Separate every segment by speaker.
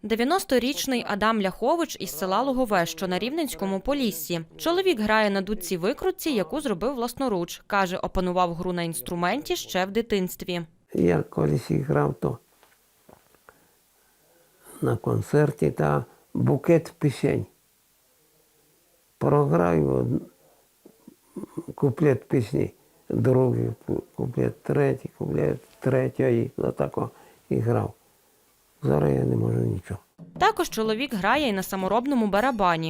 Speaker 1: 90-річний Адам Ляхович із села Лугове, що на Рівненському Поліссі. Чоловік грає на дудці-викрутці, яку зробив власноруч. Каже, опанував гру на інструменті ще в дитинстві.
Speaker 2: Я колись грав то на концерті та букет пісень. Програю куплет пісні, другий куплет, третій, отако і грав. Зараз я не можу нічого.
Speaker 1: Також чоловік грає і на саморобному барабані.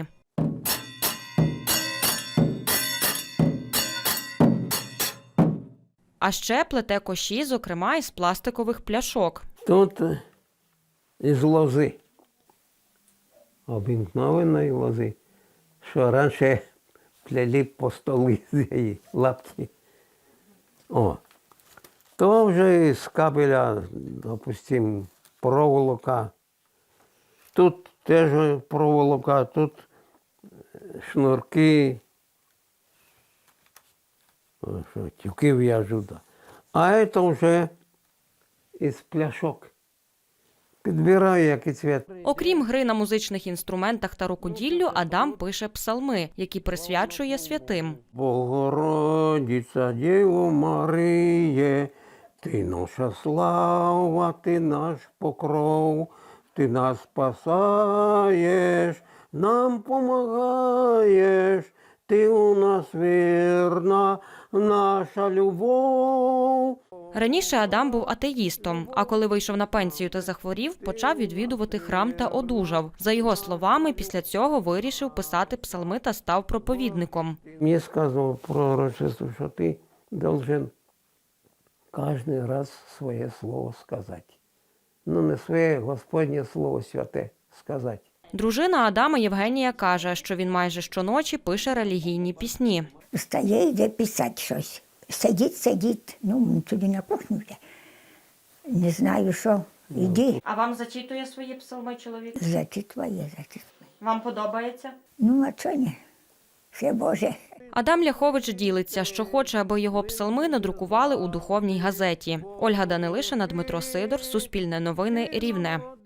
Speaker 1: А ще плете коші, зокрема, із пластикових пляшок.
Speaker 2: Тут із лози, обикновеної лози, що раніше плели по столі з її лапки. О, то вже з кабеля, допустимо, проволока. Тут теж проволока, тут шнурки, тюки в'яжу. А це вже із пляшок. Підбираю, який цвіт.
Speaker 1: Окрім гри на музичних інструментах та рукоділлю, Адам пише псалми, які присвячує святим.
Speaker 2: Богородиця, Діво Маріє, ти наша слава, ти наш покров, ти нас спасаєш, нам помагаєш, ти у нас вірна, наша любов.
Speaker 1: Раніше Адам був атеїстом, а коли вийшов на пенсію та захворів, почав відвідувати храм та одужав. За його словами, після цього вирішив писати псалми та став проповідником.
Speaker 2: Мені сказав пророчество, що ти должен кожен раз своє слово сказати. Ну, не своє Господнє слово святе сказати.
Speaker 1: Дружина Адама Євгенія каже, що він майже щоночі пише релігійні пісні.
Speaker 3: Встає, йде писати щось. Сидить. Ну, туди на кухню йде. Не знаю, що. Іди.
Speaker 1: А вам зачитує свої псалми чоловік?
Speaker 3: Зачитває.
Speaker 1: Вам подобається?
Speaker 3: Ну, а чого ні? Все Боже.
Speaker 1: Адам Ляхович ділиться, що хоче, аби його псалми надрукували у духовній газеті. Ольга Данилишина, Дмитро Сидор, Суспільне новини, Рівне.